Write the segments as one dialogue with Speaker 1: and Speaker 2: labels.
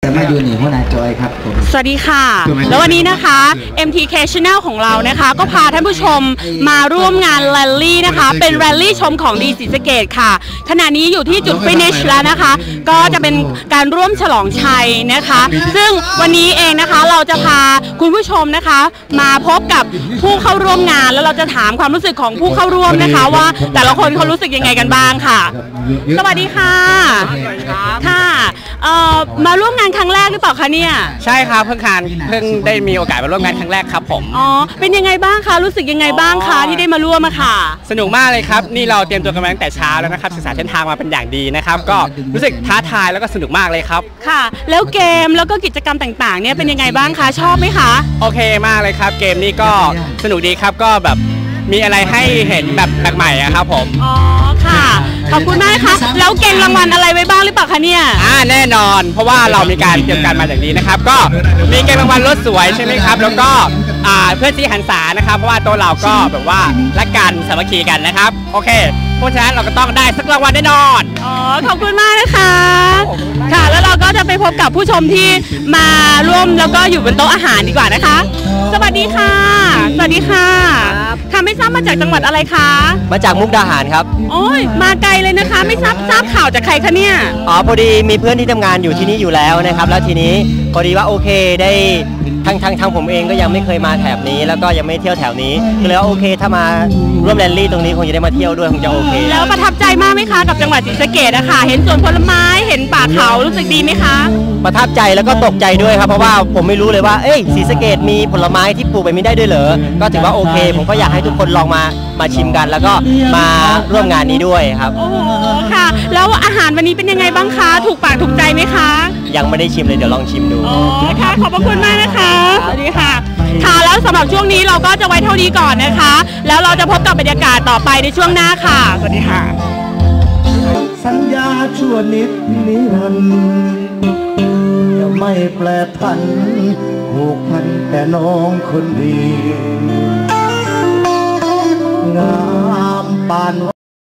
Speaker 1: จะมาอยู่หนีหัวหน้าจอยครับผม
Speaker 2: สวัสดีค่ะแล้ววันนี้นะคะ MTK Channel ของเรานะคะก็พาท่านผู้ชมมาร่วมงานแรลลี่นะคะเป็นแรลลี่ชมของดีศรีสะเกษค่ะขณะนี้อยู่ที่จุดฟินิชแล้วนะคะก็จะเป็นการร่วมฉลองชัยนะคะซึ่งวันนี้เองนะคะเราจะพาคุณผู้ชมนะคะมาพบกับผู้เข้าร่วมงานแล้วเราจะถามความรู้สึกของผู้เข้าร่วมนะคะว่าแต่ละคนเขารู้สึกยังไงกันบ้างค่ะสวัสดีค่ะค่ะมาร่วมงานครั้งแรกหรือเปล่าคะเนี่ย
Speaker 3: ใช่ครับเพิ่งได้มีโอกาสมาร่วมงานครั้งแรกครับผม
Speaker 2: อ๋อเป็นยังไงบ้างคะรู้สึกยังไงบ้างคะที่ได้มาร่วมอะค่ะ
Speaker 3: สนุกมากเลยครับนี่เราเตรียมตัวกันมาตั้งแต่เช้าแล้วนะครับศึกษาเส้นทางมาเป็นอย่างดีนะครับก็รู้สึกท้าทายแล้วก็สนุกมากเลยครับ
Speaker 2: ค่ะแล้วเกมแล้วก็กิจกรรมต่างๆเนี่ยเป็นยังไงบ้างคะชอบไหมคะ
Speaker 3: โอเคมากเลยครับเกมนี้ก็สนุกดีครับก็แบบมีอะไรให้เห็นแบบแปลกใหม่อะครับผม
Speaker 2: อ๋อค่ะขอบคุณมากค่ะแล้วเก่งรางวัลอะไรไว้บ้างหรือเปล่าคะเนี่ย
Speaker 3: แน่นอนเพราะว่าเรามีการเตรียมการมาอย่างนี้นะครับก็มีเก่งรางวัลรถสวยใช่ไหมครับแล้วก็เพื่อนที่หันษานะครับเพราะว่าตัวเราก็แบบว่ารักกันสามัคคีกันนะครับโอเคเพราะฉะนั้นเราก็ต้องได้สักรางวัลแน่นอน
Speaker 2: อ๋อขอบคุณมากนะคะค่ะแล้วเราก็จะไปพบกับผู้ชมที่มาร่วมแล้วก็อยู่บนโต๊ะอาหารดีกว่านะคะสวัสดีค่ะสวัสดีค่ะค่ะไม่ทราบมาจากจังหวัดอะไรคะ
Speaker 4: มาจากมุกดาหารครับ
Speaker 2: โอ้ยมาไกลเลยนะคะไม่ทราบข่าวจากใครคะเนี่ย
Speaker 4: พอดีมีเพื่อนที่ทำงานอยู่ที่นี่อยู่แล้วนะครับแล้วทีนี้พอดีว่าโอเคได้ทั้งผมเองก็ยังไม่เคยมาแถบนี้แล้วก็ยังไม่เที่ยวแถวนี้ก็เลยว่าโอเคถ้ามาร่วมแรลลี่ตรงนี้คงจะได้มาเที่ยวด้วยคงจะโอเค
Speaker 2: แล้วประทับใจมากไหมคะกับจังหวัดศรีสะเกษนะคะเห็นสวนผลไม้เห็นป่าเขารู้สึกดีไหมคะ
Speaker 4: ประทับใจแล้วก็ตกใจด้วยครับเพราะว่าผมไม่รู้เลยว่าศรีสะเกษมีผลไม้ที่ปลูกแบบนี้ได้ด้วยเหรอก็ถือว่าโอเคผมก็อยากให้ทุกคนลองมาชิมกันแล้วก็มาร่วมงานนี้ด้วยครับ
Speaker 2: โอ้ค่ะแล้วอาหารวันนี้เป็นยังไงบ้างคะถูกปากถูกใจไหมคะ
Speaker 4: ยังไม่ได้ชิมเลยเดี๋ยวลองชิมดู
Speaker 2: อ๋อค่ะขอบพระคุณมากนะคะสวัสดีค่ะค่ะแล้วสำหรับช่วงนี้เราก็จะไว้เท่านี้ก่อนนะคะแล้วเราจะพบกับบรรยากาศต่อไปในช่วงหน้าค่ะสวัสดีค่ะ
Speaker 5: สัญญาชั่วนิดนิรันดร์จะไม่แปรผันผูกพันแต่น้องคนดีงามปาน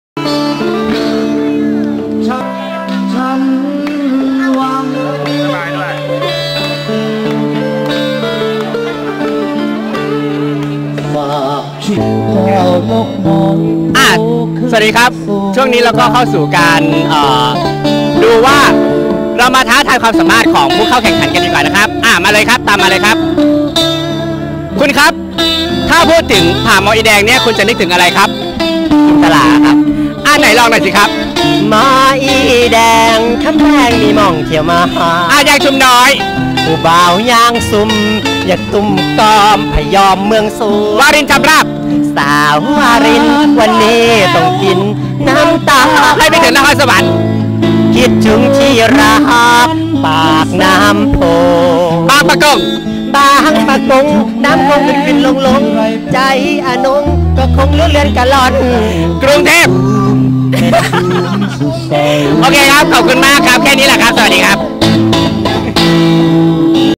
Speaker 5: ฉันหวังฝากชิดเราลกมอง
Speaker 3: สวัสดีครับช่วงนี้เราก็เข้าสู่การดูว่าเรามาท้าทายความสามารถของผู้เข้าแข่งขันกันดีกว่านะครับมาเลยครับตามมาเลยครับคุณครับถ้าพูดถึงผาหมออีแดงเนี่ยคุณจะนึกถึงอะไรครับ
Speaker 4: จินตลาครับ
Speaker 3: ไหนลองหน่อยสิครับ
Speaker 4: หมออีแดงคำแพงมีมองเที่ยวมา
Speaker 3: อยากชุมน้อย
Speaker 4: ผู้บ่าวยางซุ่มอยากตุ่มกอมพยอมเมืองสู
Speaker 3: วารินจำราบ
Speaker 4: สาววารินวันนี้ต้องกินน้ำตา
Speaker 3: ให้ไปถึงนครสวรรค์
Speaker 4: คิดถึงที่รักปากน้ำโพ
Speaker 3: บางปะกง
Speaker 4: บางปะกงน้ำคงขึ้นลงใจอนงก็คงเลื่อนกะล่อน
Speaker 3: กรุงเทพโอเคครับขอบคุณมากครับแค่นี้แหละครับสวัสดีครับ